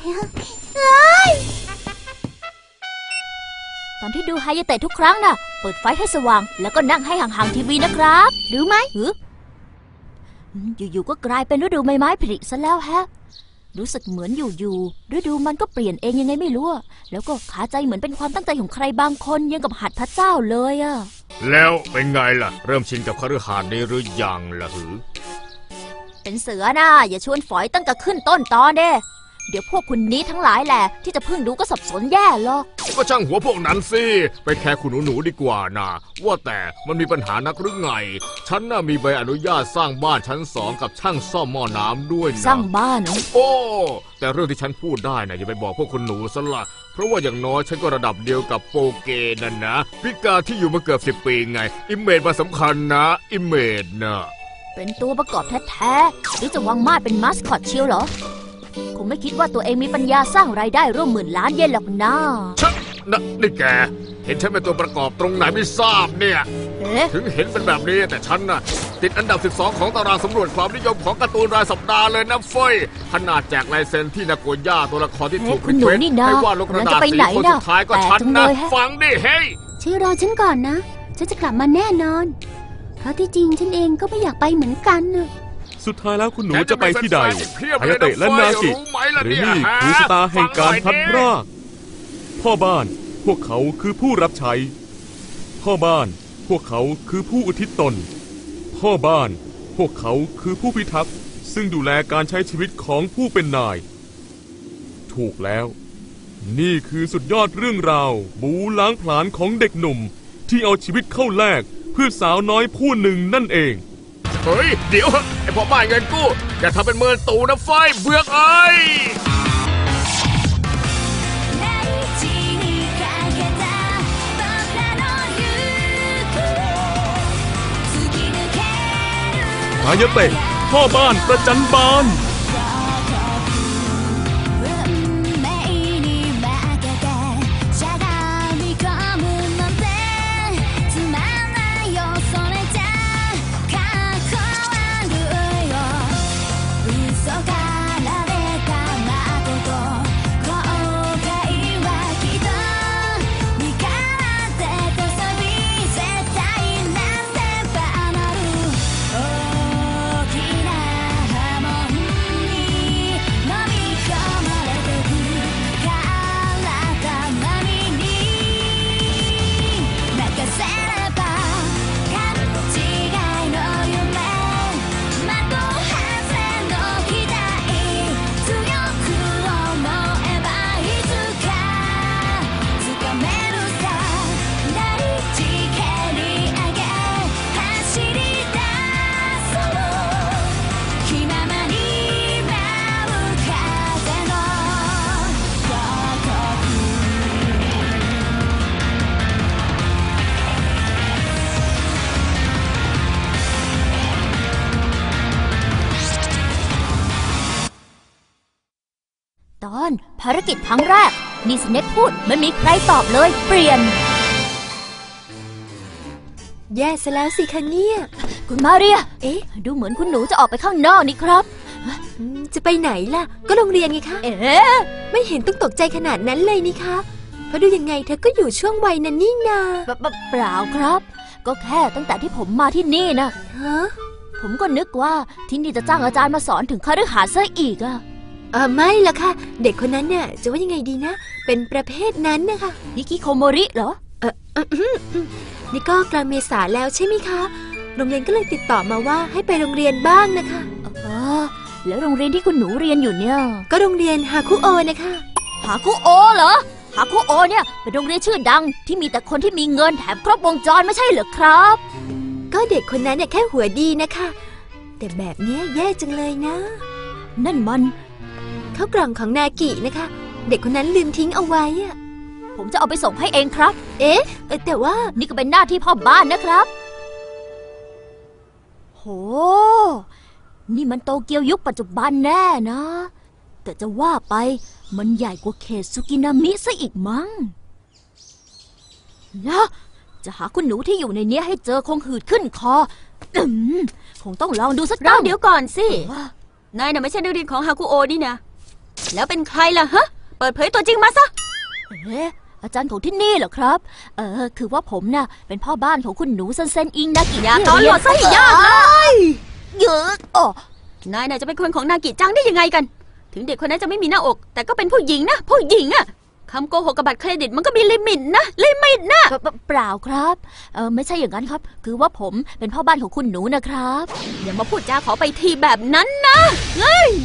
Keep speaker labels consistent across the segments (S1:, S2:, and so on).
S1: ตอนที่ดูไฮยาเตะทุกครั้งน่ะเปิดไฟให้สว่างแล้วก็นั่งให้ห่างๆทีวีนะครับรู้ไหมอยู่ๆก็กลายเป็นฤดูใบไม้ผลิซะแล้วฮะรู้สึกเหมือนอยู่ๆฤดูมันก็เปลี่ยนเองยังไงไม่รู้แล้วก็ขาใจเหมือนเป็นความตั้งใจของใครบางคนยังกับหัดพระเจ้าเลยอะ
S2: แล้วเป็นไงล่ะเริ่มชินกับคฤหาสน์นี้หรือยังล่ะหือ
S1: เป็นเสือนะอย่าชวนฝอยตั้งแต่ขึ้นต้นตอนเด้เดี๋ยวพวกคุณนี้ทั้งหลายแหละที่จะเพิ่งดูก็สับสนแย่หรอก
S2: ก็ช่างหัวพวกนั้นสิไปแคร์คุณหนูดีกว่านะว่าแต่มันมีปัญหานักหรือไงฉันน่ะมีใบอนุญาตสร้างบ้านชั้น2กับช่างซ่อมหม้อน้ำด้วยนะ
S1: สร้างบ้าน
S2: โอ้แต่เรื่องที่ฉันพูดได้นะอย่าไปบอกพวกคุณหนูซะละเพราะว่าอย่างน้อยฉันก็ระดับเดียวกับโปเกนั่นนะพิการที่อยู่มาเกือบ10 ปีไงอิมเมจมาสำคัญนะอิมเมจนะ
S1: เป็นตัวประกอบแท้ๆหรือจะวางมาดเป็นมาสคอตเชียวเหรอคงไม่คิดว่าตัวเองมีปัญญาสร้างรายได้ร่วม10,000 ล้านเยนหรอกนะ
S2: นี่แกเห็นฉันเป็นตัวประกอบตรงไหนไม่ทราบเนี่ยถึงเห็นเป็นแบบนี้แต่ฉันน่ะติดอันดับ12ของตารางสำรวจความนิยมของการ์ตูนรายสัปดาห์เลยนะเฟ้ยขนาดแจกลายเซ็นที่นาโกย่าตัวละครที่ถูกรีเควสให้วาดลงกระดาษสีคนสุดท้ายก็ฉันนะฟังดิเฮ้ย
S3: ช่วยรอฉันก่อนนะฉันจะกลับมาแน่นอนเพราะที่จริงฉันเองก็ไม่อยากไปเหมือนกันนะ
S4: สุดท้ายแล้วคุณหนูจะไปที่ใดไฮยาเตะและนากิหรือนี่คือชะตาแห่งการพลัดพรากพ่อบ้านพวกเขาคือผู้รับใช้พ่อบ้านพวกเขาคือผู้อุทิศตนพ่อบ้านพวกเขาคือผู้พิทักษ์ซึ่งดูแลการใช้ชีวิตของผู้เป็นนายถูกแล้วนี่คือสุดยอดเรื่องราวบูล้างผลาญของเด็กหนุ่มที่เอาชีวิตเข้าแลกเพื่อสาวน้อยผู้หนึ่งนั่นเอง
S2: เฮ้ยเดี๋ยวไอ้พ่อบ้านเงินกู้อย่าทำเป็นเมินตูนะไฟเบือกไอ้
S4: ไฮยาเตะพ่อบ้านประจันบาน
S1: ภารกิจครั้งแรกนี่สเน็กพูดไม่มีใครตอบเลยเปลี่ยน
S3: แย่ซะแล้วสิคะเนี่ย
S1: คุณมาเรียดูเหมือนคุณหนูจะออกไปข้างนอกนี่ครับ
S3: จะไปไหนล่ะก็โรงเรียนไงคะไม่เห็นต้องตกใจขนาดนั้นเลยนี่คะเพราะดูยังไงเธอก็อยู่ช่วงวัยนั้นนี่นา
S1: เปล่าครับก็แค่ตั้งแต่ที่ผมมาที่นี่นะผมก็นึกว่าที่นี่จะจ้างอาจารย์มาสอนถึงคฤหาสน์ซะอีกอะ
S3: ไม่ล่ะค่ะเด็กคนนั้นเนี่ยจะว่ายังไงดีนะเป็นประเภทนั้นนะคะ
S1: ฮิคิโคโมริเหรอ
S3: นี่ก็กลางเมษาแล้วใช่ไหมคะโรงเรียนก็เลยติดต่อมาว่าให้ไปโรงเรียนบ้างนะคะ
S1: แล้วโรงเรียนที่คุณหนูเรียนอยู่เนี่ย
S3: ก็โรงเรียนฮาคุโอนะคะ
S1: ฮาคุโอเหรอฮาคุโอเนี่ยเป็นโรงเรียนชื่อดังที่มีแต่คนที่มีเงินแถมครบวงจรไม่ใช่เหรอครับ
S3: ก็เด็กคนนั้นเนี่ยแค่หัวดีนะคะแต่แบบนี้แย่จังเลยนะ
S1: นั่นมัน
S3: ข้าวกล่องของนากินะคะเด็กคนนั้นลืมทิ้งเอาไว้อะ
S1: ผมจะเอาไปส่งให้เองครับ
S3: แต่ว่า
S1: นี่ก็เป็นหน้าที่พ่อบ้านนะครับโหนี่มันโตเกียวยุคปัจจุบันแน่นะแต่จะว่าไปมันใหญ่กว่าเขตซุกินามิซะอีกมั้งนะจะหาคุณหนูที่อยู่ในนี้ให้เจอคงหืดขึ้นคอคงต้องลองดูสักตั้ง
S5: เดี๋ยวก่อนสินายน่ะไม่ใช่นักเรียนของฮาคุโอนี่นะ
S3: แล้วเป็นใครล่ะฮะเปิดเผยตัวจริงมาซะ
S1: อาจารย์ของที่นี่เหรอครับคือว่าผมน่ะเป็นพ่อบ้านของคุณหนูเซนอิงนากิ
S3: อย่าตอนหลอดซะให้ยากเลย
S1: เยอะ
S3: นายน่ะจะเป็นคนของนากิจังได้ยังไงกันถึงเด็กคนนั้นจะไม่มีหน้าอกแต่ก็เป็นผู้หญิงนะผู้หญิงอะคำโกหกกับบัตรเครดิตมันก็มีลิมิตนะ
S1: เปล่าครับไม่ใช่อย่างนั้นครับคือว่าผมเป็นพ่อบ้านของคุณหนูนะครับ
S3: อย่ามาพูดจาขอไปทีแบบนั้นนะเฮ้ย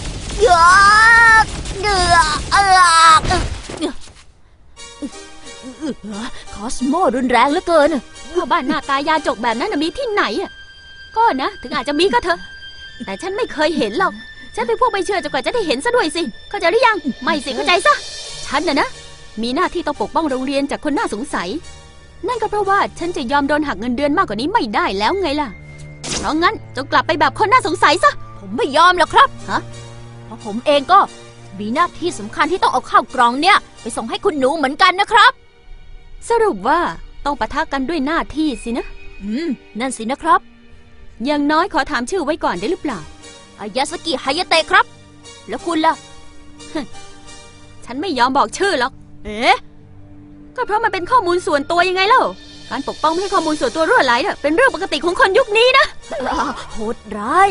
S1: คอสโมรุนแรงเหลือเกิน
S3: พ่อบ้านหน้าตายาจกแบบนั้นมีที่ไหนอ่ะก็นะถึงอาจจะมีก็เถอะแต่ฉันไม่เคยเห็นหรอกฉันเป็นพวกไม่เชื่อจนกว่าจะได้เห็นซะด้วยสิเข้าใจหรือยังไม่สิเข้าใจซะฉันนะมีหน้าที่ต้องปกป้องโรงเรียนจากคนน่าสงสัยนั่นก็เพราะว่าฉันจะยอมโดนหักเงินเดือนมากกว่านี้ไม่ได้แล้วไงล่ะเพราะงั้นจงกลับไปแบบคนน่าสงสัยซะ
S1: ผมไม่ยอมหรอกครับเพราะผมเองก็มีหน้าที่สำคัญที่ต้องเอาข้าวกล่องเนี่ยไปส่งให้คุณหนูเหมือนกันนะครับ
S3: สรุปว่าต้องปะทะกันด้วยหน้าที่สินะ
S1: นั่นสินะครับ
S3: อย่างน้อยขอถามชื่อไว้ก่อนได้หรือเปล่า
S1: อายาสกิฮายาเตะครับแล้วคุณล่ะ
S3: ฉันไม่ยอมบอกชื่อหรอกก็เพราะมันเป็นข้อมูลส่วนตัวยังไงเล่าการปกป้องไม่ให้ข้อมูลส่วนตัวรั่วไหลเนี่ยเป็นเรื่องปกติของคนยุคนี้นะ
S1: โหดร้าย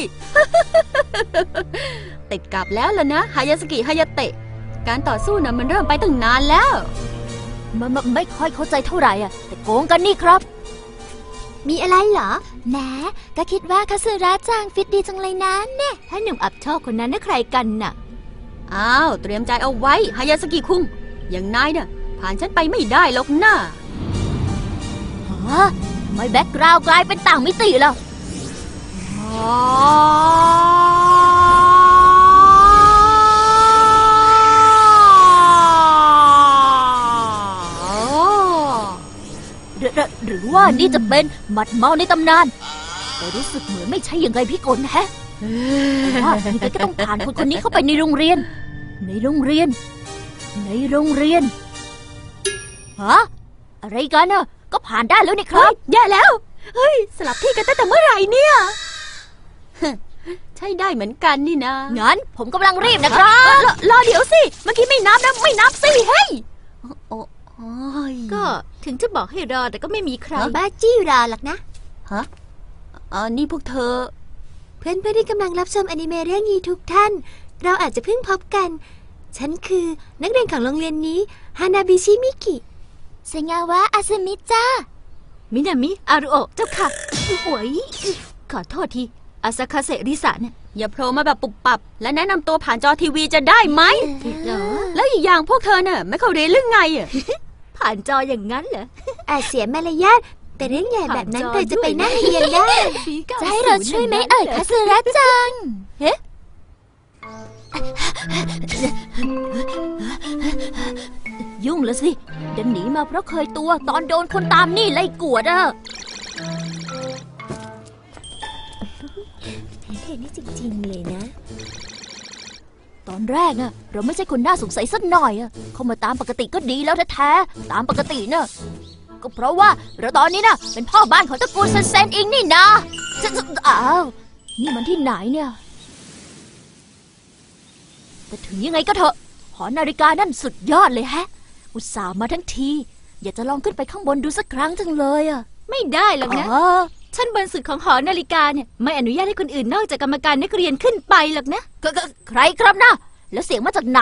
S3: ติดกับแล้วล่ะนะฮายาสกิฮายาเตะการต่อสู้น่ะมันเริ่มไปตั้งนานแล้ว
S1: มันไม่ค่อยเข้าใจเท่าไหร่แต่โกงกันนี่ครับ
S3: มีอะไรเหรอ
S1: แหมก็คิดว่าคาสึระจังฟิตดีจังเลยนะเนี่ย
S3: ถ้าหนุ่มอับชอบคนนั้นน่ะใครกันน่ะอ้าวเตรียมใจเอาไว้ฮายาสกิคุงอย่างนายน่ะผ่านฉันไปไม่ได้หรอกนะ
S1: ทำไมแบ็คกราวด์กลายเป็นต่างมิติล่ะหรือว่านี่จะเป็นหมัดเมาในตำนานแต่รู้สึกเหมือนไม่ใช่อย่างไรพี่กลแฮะว่ายังไงก็ต้องผ่านคนนี้เข้าไปในโรงเรียนอะไรกันน่ะก็ผ่านได้แล้วนี่ครับ
S3: แย่แล้วเฮ้ยสลับที่กันตั้งแต่เมื่อไหร่เนี่ยใช่ได้เหมือนกันนี่นะ
S1: งั้นผมกำลังรีบนะครับ
S3: รอเดี๋ยวสิเมื่อกี้ไม่นับนะไม่นับสิเฮ้ย
S1: ก็ถึงจะบอกให้รอแต่ก็ไม่มีใคร
S3: บ้าจี้รอหรอกนะนี่พวกเธอเพื่อนที่กำลังรับชมอนิเมะเรื่องนี้ทุกท่านเราอาจจะเพิ่งพบกันฉันคือนักเรียนของโรงเรียนนี้ฮานาบิชิมิกิ
S1: เซงาวะอาซึมิจ้า
S3: มินามิอารุโอะเจ้าค่ะโอ้ยขอโทษทีอาซาคาเซริสะเนี่ยอย่าโผล่มาแบบปุบปับและแนะนำตัวผ่านจอทีวีจะได้ไหมแล้วอีกอย่างพวกเธอน่ะไม่เข้าเรียนเรื่องไงผ่านจออย่างนั้นเหรอเสียมารยาทแต่เรื่องใหญ่แบบนั้นเธอจะไปนั่งเรียนได้
S1: จะให้เราช่วยไหมคาสึระจังยุ่งแล้วสิดันหนีมาเพราะเคยตัวตอนโดนคนตามนี่ไล่กวด
S3: เท่นี่จริงๆเลยนะ
S1: ตอนแรกเราไม่ใช่คนน่าสงสัยสักหน่อยเข้ามาตามปกติก็ดีแล้วแท้ๆตามปกติก็เพราะว่าเราตอนนี้เป็นพ่อบ้านของตระกูลเซนอิงนี่นะอ้าวนี่มันที่ไหนเนี่ยแต่ถึงยังไงก็เถอะหอนาฬิกานั่นสุดยอดเลยแฮะอุตส่าห์มาทั้งทีอยากจะลองขึ้นไปข้างบนดูสักครั้งจังเลย
S3: ไม่ได้หรอกนะฉันบนสุดของหอนาฬิกาเนี่ยไม่อนุญาตให้คนอื่นนอกจากกรรมการนักเรียนขึ้นไปหรอกนะ
S1: ใครครับนะแล้วเสียงมาจากไหน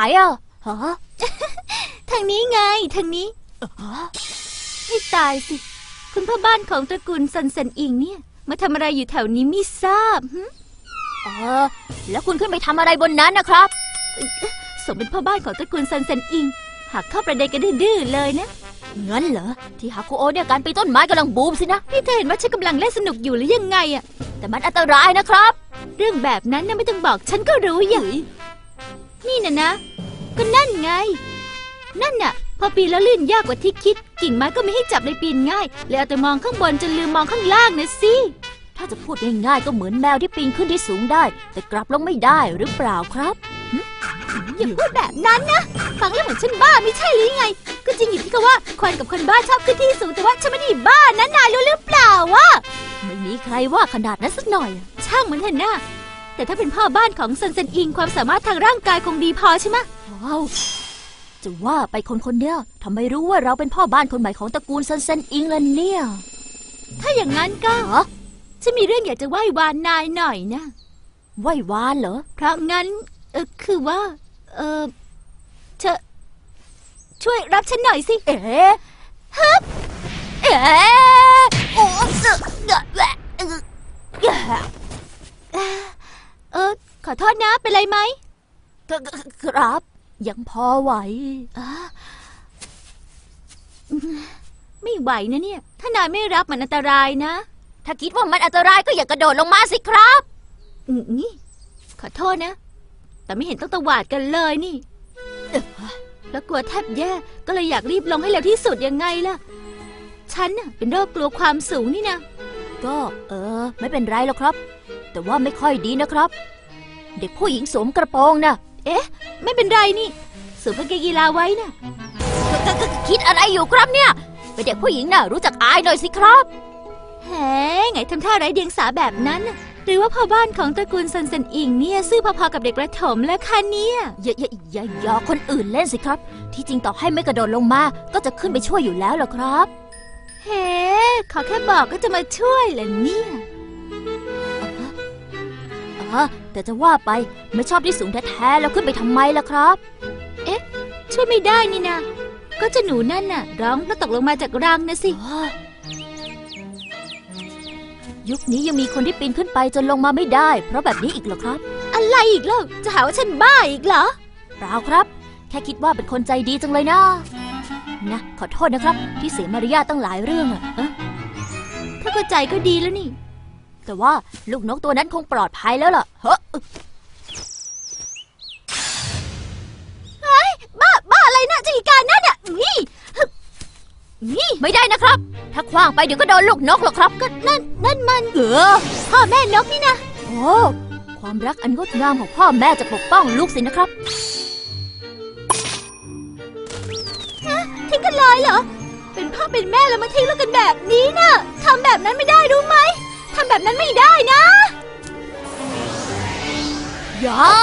S3: ทางนี้ไงทางนี้ให้ตายสิคุณพ่อบ้านของตระกูลซันเซนอิงเนี่ยมาทำอะไรอยู่แถวนี้ไม่ทราบ
S1: แล้วคุณขึ้นไปทำอะไรบนนั้นนะครับ
S3: สมเป็นพ่อบ้านของตระกูลซันเซนอิงหากเข้าประเด็นกันดื้อเลยนะ
S1: งั้นเหรอที่ฮาคุโอเนี่ยการปีนต้นไม้กำลังบูมสินะ
S3: นี่เธอเห็นว่าฉันกำลังเล่นสนุกอยู่หรือยังไง
S1: แต่มันอันตรายนะครับ
S3: เรื่องแบบนั้นไม่ต้องบอกฉันก็รู้อย่างนี่นะก็นั่นไงนั่นน่ะพอปีนแล้วลื่นยากกว่าที่คิดกิ่งไม้ก็ไม่ให้จับเลยปีนง่ายเลยเอาแต่มองข้างบนจนลืมมองข้างล่างนะสิ
S1: ถ้าจะพูดง่ายๆก็เหมือนแมวที่ปีนขึ้นที่สูงได้แต่กลับลงไม่ได้หรือเปล่าครับ
S3: อย่าพูดแบบนั้นนะฟังแล้วเหมือนฉันบ้าไม่ใช่หรือไงก็จริงอยู่ที่เขาว่าคนกับคนบ้าชอบขึ้นที่สูงแต่ว่าฉันไม่ได้บ้านะนายรู้หรือเปล่าวะ
S1: ไม่มีใครว่าขนาดนั้นสักหน่อย
S3: ช่างมันเถอะนะแต่ถ้าเป็นพ่อบ้านของซันเซนอิงความสามารถทางร่างกายคงดีพอใช่ไหม
S1: ว้าวจะว่าไปคนเนี้ยทำไมรู้ว่าเราเป็นพ่อบ้านคนใหม่ของตระกูลซันเซนอิงล่ะเนี่ย
S3: ถ้าอย่างนั้นก็ฉันมีเรื่องอยากจะไหว้วานนายหน่อยนะ
S1: ไหว้วานเหรอ
S3: เพราะงั้นคือว่าเธอช่วยรับฉันหน่อยสิ
S1: เอ๊ะฮึบเอ๊ะโอ้สึกแหละ
S3: ขอโทษนะเป็นไรไหม
S1: ครับยังพอไหว
S3: ไม่ไหวนะเนี่ย ถ้านายไม่รับมันอันตรายนะ
S1: ถ้าคิดว่ามันอันตรายก็อย่ากระโดดลงมาสิครับ
S3: นี่ขอโทษนะ แต่ไม่เห็นต้องตวาดกันเลยนี่แล้วกลัวแทบแย่ก็เลยอยากรีบลงให้เร็วที่สุดยังไงล่ะ ฉันน่ะเป็นโรคกลัวความสูงนี่นะ
S1: ก็ไม่เป็นไรหรอกครับ แต่ว่าไม่ค่อยดีนะครับ เด็กผู้หญิงสวมกระโปรงนะ
S3: ไม่เป็นไรนี่สวมกางเกงกีฬาไว้นะ
S1: คิดอะไรอยู่ครับเนี่ยเป็นเด็กผู้หญิงน่ะรู้จักอายหน่อยสิครับ
S3: แหมไงทำท่าไร้เดียงสาแบบนั้นน่ะหรือว่าพ่อบ้านของตระกูลซันเซนอิงเนี่ยซื่อพอๆกับเด็กประถมแล้วคะเนี่ย
S1: อย่าคนอื่นเล่นสิครับ ที่จริงต่อให้ไม่กระโดดลงมาก็จะขึ้นไปช่วยอยู่แล้วล่ะครับ
S3: เฮ้ขอแค่บอกก็จะมาช่วยเหรอเนี่ย
S1: แต่จะว่าไปไม่ชอบที่สูงแท้ๆแล้วขึ้นไปทำไมล่ะครับ
S3: ช่วยไม่ได้นี่นะก็เจะหนูนั่นน่ะร้องแล้วตกลงมาจากรังนะสิ
S1: ยุคนี้ยังมีคนที่ปีนขึ้นไปจนลงมาไม่ได้ เพราะแบบนี้อีกเหรอครับ
S3: อะไรอีกเล่าจะหาว่าฉันบ้าอีกเหรอ
S1: เปล่าครับ แค่คิดว่าเป็นคนใจดีจังเลยนะขอโทษนะครับที่เสียมารยาทตั้งหลายเรื่องอะ
S3: ถ้าเข้าใจก็ดีแล้วนี่
S1: แต่ว่าลูกนกตัวนั้นคงปลอดภัยแล้วล่ะเฮ้ย
S3: บ้าอะไรนะจักรการนั่นน่ะนี่
S1: ไม่ได้นะครับ ถ้าคว้างไปเดี๋ยวก็โดนลูกนกหรอกครับก็
S3: นั่นมันพ่อแม่นกนี่นะ
S1: โอ้ความรักอันงดงามของพ่อแม่จะปกป้องลูกสินะครับ
S3: ทิ้งกันเลยเหรอเป็นพ่อเป็นแม่แล้วมาทิ้งลูกกันแบบนี้นะทำแบบนั้นไม่ได้รู้ไหมทำแบบนั้นไม่ได้นะ
S1: อย่า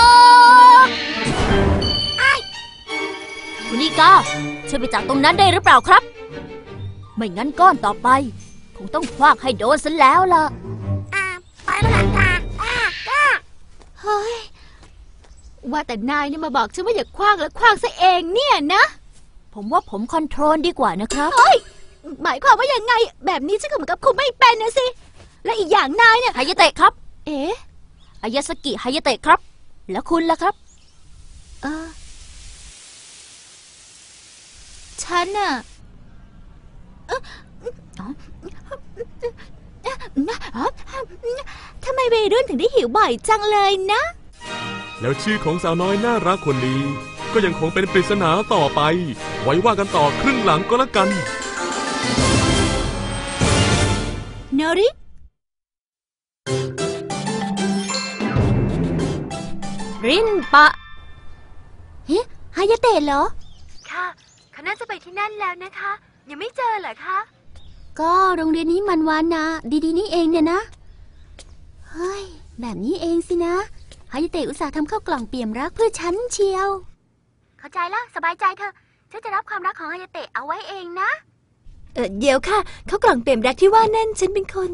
S1: คุณนิกาช่วยไปจากตรงนั้นได้หรือเปล่าครับไม่งั้นก้อนต่อไปคงต้องคว้างให้โดนซะแล้วล่ะ
S3: ไปแล้วล่ะเฮ้ยว่าแต่นายเนี่ยมาบอกฉันว่าอย่าคว้างแล้วคว้างซะเองเนี่ยนะ
S1: ผมว่าผมคอนโทรลดีกว่านะครับ
S3: เฮ้ยหมายความว่ายังไงแบบนี้ฉันก็เหมือนกับคุมไม่เป็นนะสิและอีกอย่างนายเนี่ย
S1: ฮายาเตะครับอายาสกิฮายาเตะครับแล้วคุณล่ะครับ
S3: ฉันน่ะทำไมวัยรุ่นถึงได้หิวบ่อยจังเลยนะ
S4: แล้วชื่อของสาวน้อยน่ารักคนนี้ก็ยังคงเป็นปริศนาต่อไปไว้ว่ากันต่อครึ่งหลังก็แล้วกัน
S3: โนริ
S1: รินปะ
S3: ฮายาเตะเหรอ
S5: ค่ะเขาน่าจะไปที่นั่นแล้วนะคะยังไม่เจอเหรอคะ
S3: ก็โรงเรียนนี้มันวานนะดีๆนี่เองเนี่ยนะเฮ้ยแบบนี้เองสินะฮายาเตะอุตส่าห์ทำข้าวกล่องเปี่ยมรักเพื่อฉันเชียว
S5: เข้าใจแล้วสบายใจเถอะฉันจะรับความรักของฮายาเตะเอาไว้เองนะ
S6: เดี๋ยวค่ะข้าวกล่องเปี่ยมรักที่ว่านั่นฉันเป็นคน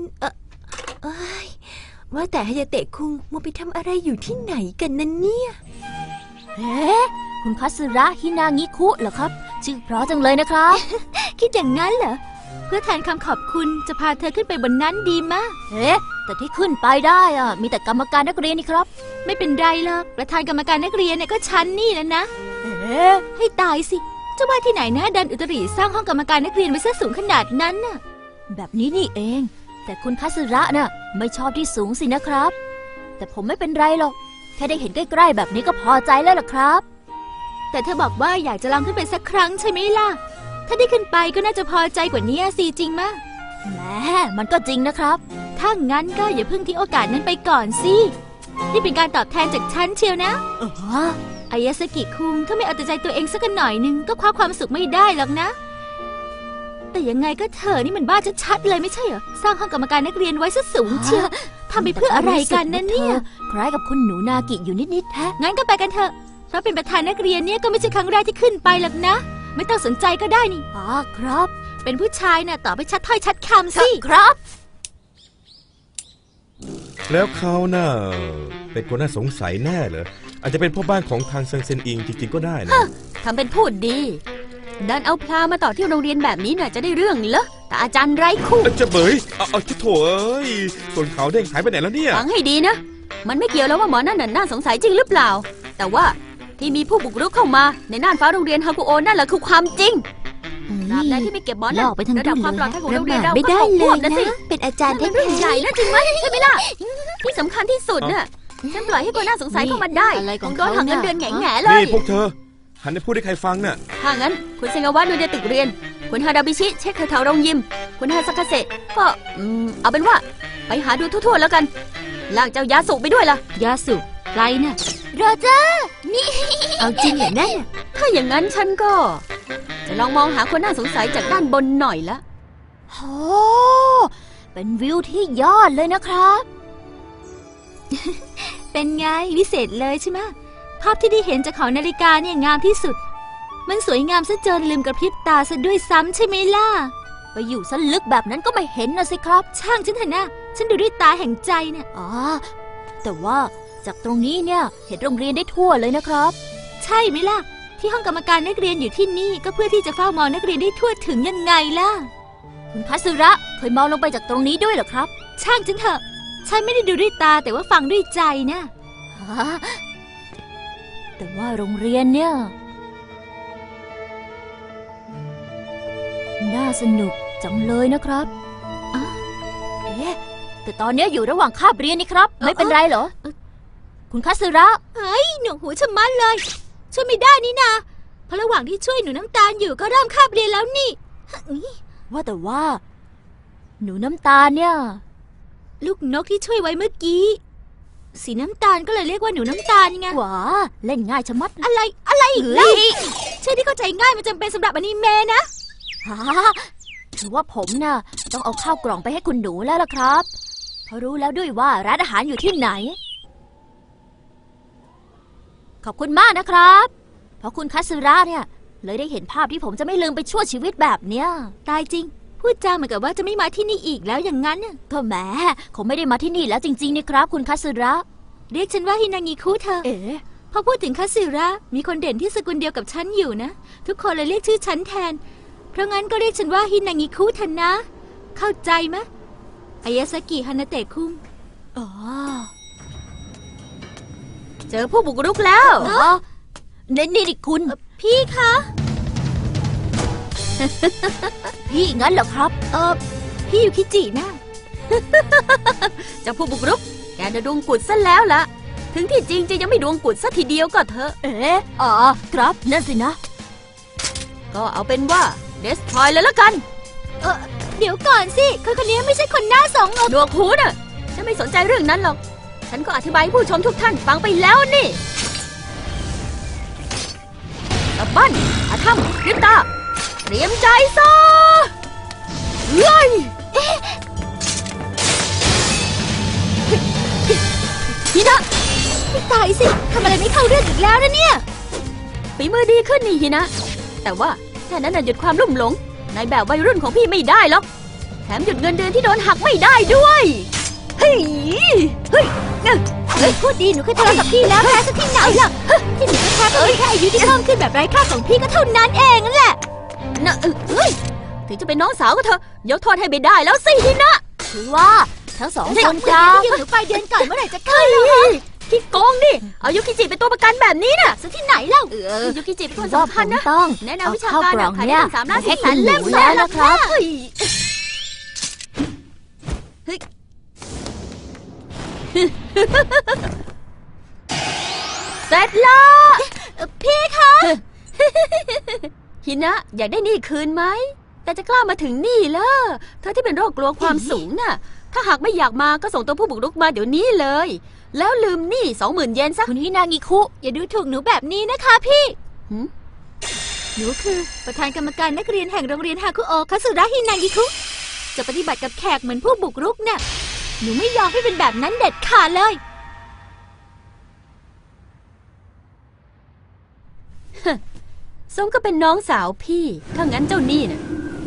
S6: ว่าแต่ฮายาเตะคุงมัวไปทำอะไรอยู่ที่ไหนกันนั่นเนี่ย
S1: คุณคัตสึระฮินางิคุเหรอครับชื่อเพราะจังเลยนะครับ
S3: คิดอย่างนั้นเหรอเพื่อแทนคำขอบคุณจะพาเธอขึ้นไปบนนั้นดีมะ
S1: แต่ที่ขึ้นไปได้มีแต่กรรมการนักเรียนนี่ครับ
S3: ไม่เป็นไรหรอกประธานกรรมการนักเรียนเนี่ยก็ฉันนี่แล้วนะให้ตายสิเจ้าว่าที่ไหนนะดันอุตริสร้างห้องกรรมการนักเรียนไว้ซะสูงขนาดนั้นน่ะ
S1: แบบนี้นี่เองแต่คุณคัตสึระน่ะไม่ชอบที่สูงสินะครับแต่ผมไม่เป็นไรหรอกแค่ได้เห็นใกล้ๆแบบนี้ก็พอใจแล้วล่ะครับ
S3: แต่เธอบอกว่าอยากจะลองขึ้นไปสักครั้งใช่ไหมล่ะถ้าได้ขึ้นไปก็น่าจะพอใจกว่านี้สิจริงมะ
S1: แหมมันก็จริงนะครับ
S3: ถ้างั้นก็อย่าเพิ่งทิ้งโอกาสนั้นไปก่อนสินี่เป็นการตอบแทนจากฉันเชียวนะอายาสกิคุงถ้าไม่เอาแต่ใจตัวเองสักหน่อยนึงก็คว้าความสุขไม่ได้หรอกนะแต่ยังไงก็เธอนี่มันบ้าชัดๆเลยไม่ใช่เหรอสร้างห้องกรรมการนักเรียนไว้ซะสูงเชียว
S6: ทำไปเพื่ออะไรกันนั่นเนี่ย
S1: คล้ายกับคุณหนูนากิอยู่นิดๆแท้
S6: งั้นก็ไปกันเถอะ เพราะเป็นประธานนักเรียนเนี่ยก็ไม่ใช่ครั้งแรกที่ขึ้นไปหรอกนะ ไม่ต้องสนใจก็ได้นี่
S1: อ๋อครับ
S6: เป็นผู้ชายน่ะตอบไปชัดถ้อยชัดคำสิ
S1: ครับ
S7: แล้วเขาน่ะเป็นคนน่าสงสัยแน่เหรออาจจะเป็นพ่อบ้านของทางเซิงเซนอิงจริงๆก็ได้นะ
S3: ทำเป็นพูดดีดันเอาพลามาต่อที่โรงเรียนแบบนี้น่ะจะได้เรื่องเหรอแต่อาจารย์ไร้คู่
S7: จะเบยเอาชิโถเอ้ยส่วนเขาวเด้งหายไปไหนแล้วเนี่ย
S3: ฟังให้ดีนะ มันไม่เกี่ยวแล้วว่าหมอนั่นน่ะน่าสงสัยจริงหรือเปล่า แต่ว่าที่มีผู้บุกรุกเข้ามาในน่านฟ้าโรงเรียนฮากุโอนั่นแหละคือความจริงตราบใดที่ไม่เก็บหมอนั่น
S1: ลอกไปทั้ง
S3: ระดับ
S1: รุ่น
S3: ความปลอดภัยของโรงเรียน
S1: เลยนะ
S3: เรา
S6: ไม่
S3: ก็
S6: ได้
S3: ตก
S6: เล
S3: ควบ
S6: ย
S3: นะ
S6: นะ
S3: สิ
S6: เป็นอาจารย์
S3: นั่น
S6: แท้
S3: มันเรื่องใหญ่นะจริงไหมใช่ไหมล่ะที่สำคัญที่สุดน่ะฉันปล่อยให้คนน่าสงสัยเข้ามาได้
S1: อะไร
S3: ค
S1: ของ
S3: งโดนหักเงินเดือนแง่ๆเล
S7: นี่
S3: ย
S7: พวกเธอหันไปพูดให้ใครฟังน่ะ
S3: ถ้างั้นคุณเซงาวะดูในตึกเรียนคุณฮาดาบิชิเช็คแถวๆโรงยิมคุณฮาซากาเซะก็เอาเป็นว่าไปหาดูทั่วๆแล้วกันลากเจ้ายาสุไปด้วยล่ะ
S6: ยาสุใครน่ะ
S1: โรเจอร์นี่
S6: เอาจริงเหรอนั่นน่ะ
S3: ถ้าอย่างนั้นฉันก็จะลองมองหาคนน่าสงสัยจากด้านบนหน่อยละ
S1: โอ้เป็นวิวที่ยอดเลยนะครับ
S6: เป็นไงวิเศษเลยใช่ไหมภาพที่ได้เห็นจากหอนาฬิกาเนี่ยงามที่สุด มันสวยงามซะจนลืมกระพริบตาซะด้วยซ้ำใช่ไหมล่ะ
S1: ไปอยู่ซะลึกแบบนั้นก็ไม่เห็นนะสิครับ
S6: ช่างฉันเถอะนะฉันดูด้วยตาแห่งใจเนี่ย
S1: อ๋อ แต่ว่าจากตรงนี้เนี่ยเห็นโรงเรียนได้ทั่วเลยนะครับ
S6: ใช่ไหมล่ะ ที่ห้องกรรมการนักเรียนอยู่ที่นี่ก็เพื่อที่จะเฝ้ามองนักเรียนได้ทั่วถึงยังไงล่ะ
S1: คุณคัตสึระเคยมองลงไปจากตรงนี้ด้วยเหรอครับ
S6: ช่างฉันเถอะฉันไม่ได้ดูด้วยตาแต่ว่าฟังด้วยใจนะ
S1: ฮะแต่ว่าโรงเรียนเนี่ย น่าสนุกจังเลยนะครับอ๋อเอ๊ะแต่ตอนเนี้ยอยู่ระหว่างคาบเรียนนี่ครับ ไม่เป็นไรเหรอ คุณคัตสึระ
S6: หนวกหูชะมัดเลย ช่วยไม่ได้นี่นาเพราะระหว่างที่ช่วยหนูน้ำตาลอยู่ก็เริ่มคาบเรียนแล้วนี่
S1: ว่าแต่ว่า หนูน้ำตาลเนี่ย
S6: ลูกนกที่ช่วยไว้เมื่อกี้ สีน้ำตาลก็เลยเรียกว่าหนูน้ำตาลไง
S1: หวาเล่นง่ายชะมัด
S6: อะไรอีกเล่าชื่อที่เข้าใจง่ายมันจำเป็นสำหรับอนิเมะนะ
S1: ฮะถือว่าผมน่ะต้องเอาข้าวกล่องไปให้คุณหนูแล้วล่ะครับเพราะรู้แล้วด้วยว่าร้านอาหารอยู่ที่ไหน ขอบคุณมากนะครับ เพราะคุณคัตสึระเนี่ย เลยได้เห็นภาพที่ผมจะไม่ลืมไปชั่วชีวิตแบบเนี้ย
S6: ตายจริง พูดจาเหมือนกับว่าจะไม่มาที่นี่อีกแล้วอย่างนั้นน่ะ
S1: ก็แหมคงไม่ได้มาที่นี่แล้วจริงๆนี่ครับ คุณคัตสึระ
S6: เรียกฉันว่าฮินางิคุเธอ
S1: เอ๋
S6: พอพูดถึงคัตสึระมีคนเด่นที่สกุลเดียวกับฉันอยู่นะ ทุกคนเลยเรียกชื่อฉันแทน เพราะงั้นก็เรียกฉันว่าฮินางิคุเถอะนะ เข้าใจไหมอายาสกิฮานาเตะคุง
S1: อ๋อ
S3: เจอผู้บุกรุกแล้ว
S1: อ๋อนี่คุณ
S6: พี่คะ
S1: พี่งั้นเหรอครับ
S6: พี่ยูคิจินะ
S3: เจ้าผู้บุกรุกแกจะดวงกุดซะแล้วล่ะ ถึงที่จริงจะยังไม่ดวงกุดซะทีเดียวก็เถอะ
S1: เอ๋อ๋อครับนั่นสินะ
S3: ก็เอาเป็นว่าเดสทรอยเลยละกัน
S6: เดี๋ยวก่อนสิคนนี้ไม่ใช่คนหน้าสองอก
S3: หนวกหูน่ะฉันไม่สนใจเรื่องนั้นหรอก ฉันก็อธิบายให้ผู้ชมทุกท่านฟังไปแล้วนี่ตะบั้นอาถ้ำริบตาเตรียมใจซะเฮ้ยฮินะ
S6: ตายสิทำอะไรไม่เข้าเรื่องอีกแล้วนะเนี่ย
S3: ฝีมือดีขึ้นนี่ฮินะ แต่ว่าแค่นั้นน่ะหยุดความลุ่มหลงในแบบวัยรุ่นของพี่ไม่ได้หรอก แถมหยุดเงินเดือนที่โดนหักไม่ได้ด้วยเฮ้ยเฮ้ย
S6: พูดดีหนูเคยทะเลาะกับพี่แล้วแพ้ซะที่ไหนล่ะที่หนูแพ้ก็เป็นแค่อายุที่เพิ่มขึ้นแบบไร้ค่าของพี่ก็เท่านั้นเองนั่นแหละ
S3: นะเฮ้ยถึงจะเป็นน้องสาวก็เถอะยกโทษให้ไม่ได้แล้วสิฮินะ
S1: คือว่าทั้งสองคน
S6: จะ
S1: จะ
S6: ยืมหนูไปเดือนก่อนเมื่อไหร่จะขึ้นแล้ว
S3: พี่โกงดิเอายุกิจิเป็นตัวประกันแบบนี้น่ะ
S6: ซะที่ไหนเล่า
S3: ยุกิจิเป็นคน
S1: ว่า
S3: สำ
S1: ผ
S3: คัญ
S1: ม
S3: นะ
S1: ต้อง
S3: แนะนำ
S1: เอา
S3: วิชา
S1: ข้าว
S3: การ
S1: กล่อง
S3: ขาย
S1: เนี่ย
S3: ได้3 ล้าน
S1: ให้
S3: 4 แส
S1: คุณ
S3: น
S1: ห
S3: เล่ม
S1: นู
S3: แล้
S1: แล้ว ว
S3: นะ
S1: นะ
S3: ค
S1: ค
S3: รั
S1: รั
S3: บบ เสร็จแล้ว
S6: พี่คะ
S3: ฮินะอยากได้นี่คืนไหมแต่จะกล้ามาถึงนี่เหรอเธอที่เป็นโรคกลัวความสูงน่ะถ้าหากไม่อยากมาก็ส่งตัวผู้บุกรุกมาเดี๋ยวนี้เลย แล้วลืมหนี้ 20,000 เยนซะ
S1: คุณฮินางิคุ
S6: อย่าดูถูกหนูแบบนี้นะคะพี่
S3: หืม
S6: หนูคือประธานกรรมการนักเรียนแห่งโรงเรียนฮาคุโอคาสุระฮินางิคุจะปฏิบัติกับแขกเหมือนผู้บุกรุกน่ะหนูไม่ยอมให้เป็นแบบนั้นเด็ดขาดเลย
S3: ส้มก็เป็นน้องสาวพี่ถ้างั้นเจ้านี่น่ะ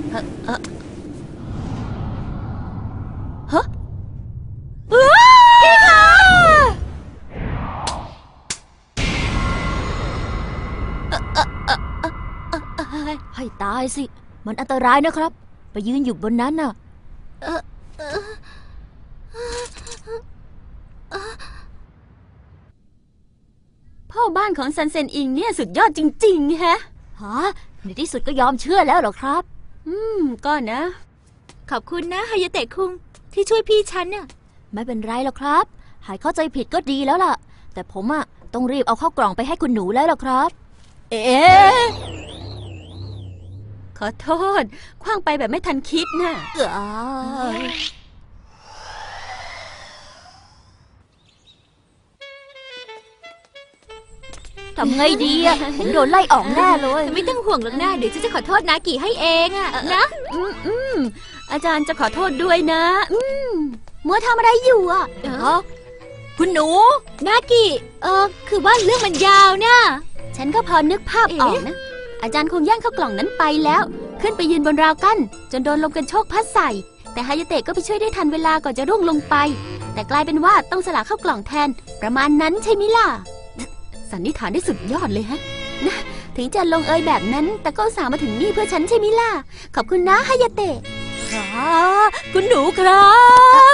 S3: ฮะพี่คะ
S1: ให้ตายสิ มันอันตรายนะครับ ไปยืนอยู่บนนั้นน่ะ
S3: พ่อบ้านของซันเซนอิงเนี่ยสุดยอดจริงๆฮะ
S1: ฮะ ในที่สุดก็ยอมเชื่อแล้วเหรอครับ
S3: ก็นะ
S6: ขอบคุณนะฮายาเตะคุงที่ช่วยพี่ฉันน่ะ
S1: ไม่เป็นไรหรอกครับ หายเข้าใจผิดก็ดีแล้วล่ะ แต่ผมอะต้องรีบเอาเข้ากล่องไปให้คุณหนูแล้วล่ะครับ
S3: เอ๊ะขอโทษคว้างไปแบบไม่ทันคิดน่ะ
S1: ทำไงดีอะผมโดนไล่ออกแน่เลย
S6: ไม่ต้องห่วงหรอกนะเดี๋ยวฉันจะขอโทษนากิให้เองอะนะ
S3: อาจารย์จะขอโทษด้วยนะมัวทำอะไรอยู่อ่ะ
S1: คุณหนู
S6: นากิคือว่าเรื่องมันยาวนะ
S3: ฉันก็พอนึกภาพออกนะ อาจารย์คงแย่งเข้ากล่องนั้นไปแล้ว ขึ้นไปยืนบนราวกั้นจนโดนลมกันโชกพัดใส่แต่ฮายาเตะก็ไปช่วยได้ทันเวลาก่อนจะร่วงลงไปแต่กลายเป็นว่าต้องสละเข้ากล่องแทนประมาณนั้นใช่ไหมล่ะสันนิษฐานได้สุดยอดเลยฮะนะถึงจะลงเอยแบบนั้นแต่ก็อุตส่าห์มาถึงนี่เพื่อฉันใช่ไหมล่ะขอบคุณนะฮายาเตะ
S1: คุณหนูครับ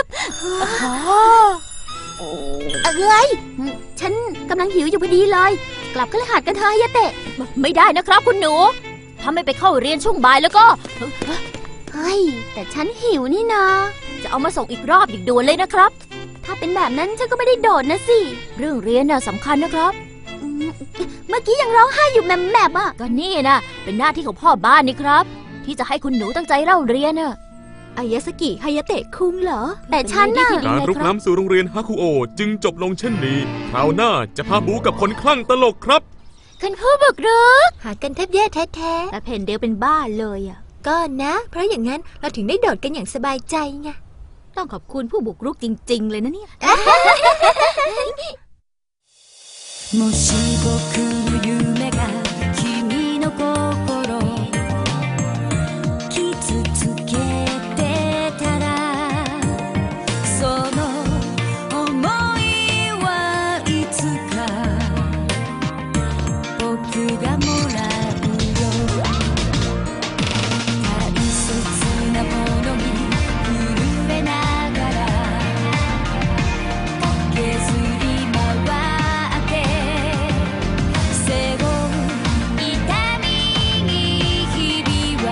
S3: อะไรฉันกำลังหิวอยู่พอดีเลยกลับคฤหาสน์กันเถอะฮายาเตะ
S1: ไม่ได้นะครับคุณหนู ถ้าไม่ไปเข้าเรียนช่วงบ่ายแล้วก็
S3: เฮ้ยแต่ฉันหิวนี่นา
S1: จะเอามาส่งอีกรอบอีกด่วนเลยนะครับ
S3: ถ้าเป็นแบบนั้นฉันก็ไม่ได้โดดนะสิ
S1: เรื่องเรียนน่ะสำคัญนะครับ
S3: เมื่อกี้ยังร้องไห้อยู่แมบๆอ่ะ
S1: ก็นี่นะเป็นหน้าที่ของพ่อบ้านนี่ครับ ที่จะให้คุณหนูตั้งใจเล่าเรียนน่ะ
S6: อายาสกิฮายาเตะคุงเหรอ
S3: แต่ฉันน่ะ
S4: การรุกล้ำสู่โรงเรียนฮาคุโอจึงจบลงเช่นนี้คราวหน้าจะพาบูกับคนคลั่งตลกครับ
S3: คุณผู้บุกรุก
S6: หากันแทบแย่แท้ๆแต่เพนเดลเป็นบ้าเลยอ่ะก็นะ เพราะอย่างนั้นเราถึงได้โดดกันอย่างสบายใจไงต้องขอบคุณผู้บุกรุกจริงๆเลยนะเนี่ย
S8: もし僕の夢が君の心傷つけてたらその想いはいつか僕がもらうよ大切なものに震えながら駆けずり回って背負う痛みに日々は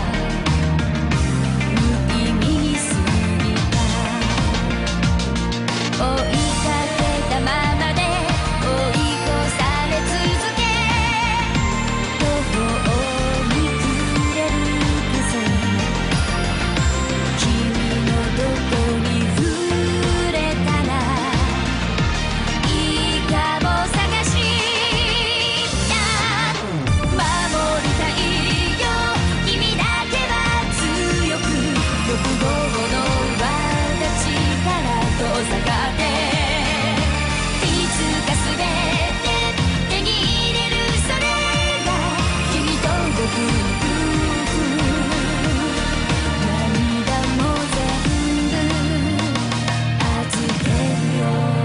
S8: 無意味に過ぎた追いかけたままで追い越され続け途方に暮れる風君のどこに触れたらいいかも探した守りたいよ君だけは強く欲望の輪立ちから遠ざかっていつか全て手に入れるそれが君と僕の夫婦涙も全部預けるよ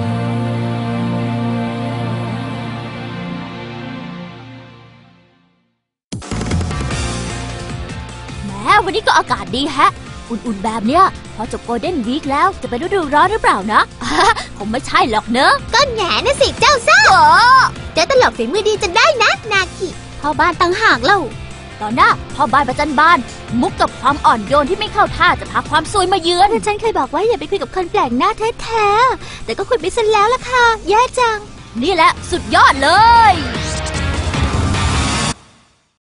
S1: แหมวันนี้ก็อากาศดีแฮะ อุ่นๆแบบเนี้ยพอจบโกลเด้นวีคแล้วจะเป็นฤดูร้อนหรือเปล่านะคงไม่ใช่หรอกเนอะ
S3: ก็แหง่นะสิเจ้าซ่าเจ้าตลกฝีมือดีจะได้นะนากิพ่อบ้านตั้งหากเล่า
S1: ตอนหน้าพ่อบ้านประจันบาน มุกกับความอ่อนโยนที่ไม่เข้าท่าจะพาความซวยมาเยือน
S6: ฉันเคยบอกว่าอย่าไปคุยกับคนแปลกหน้าแท้ๆแต่ก็คุยไปซะแล้วล่ะค่ะแย่จัง
S1: นี่แหละสุดยอดเลย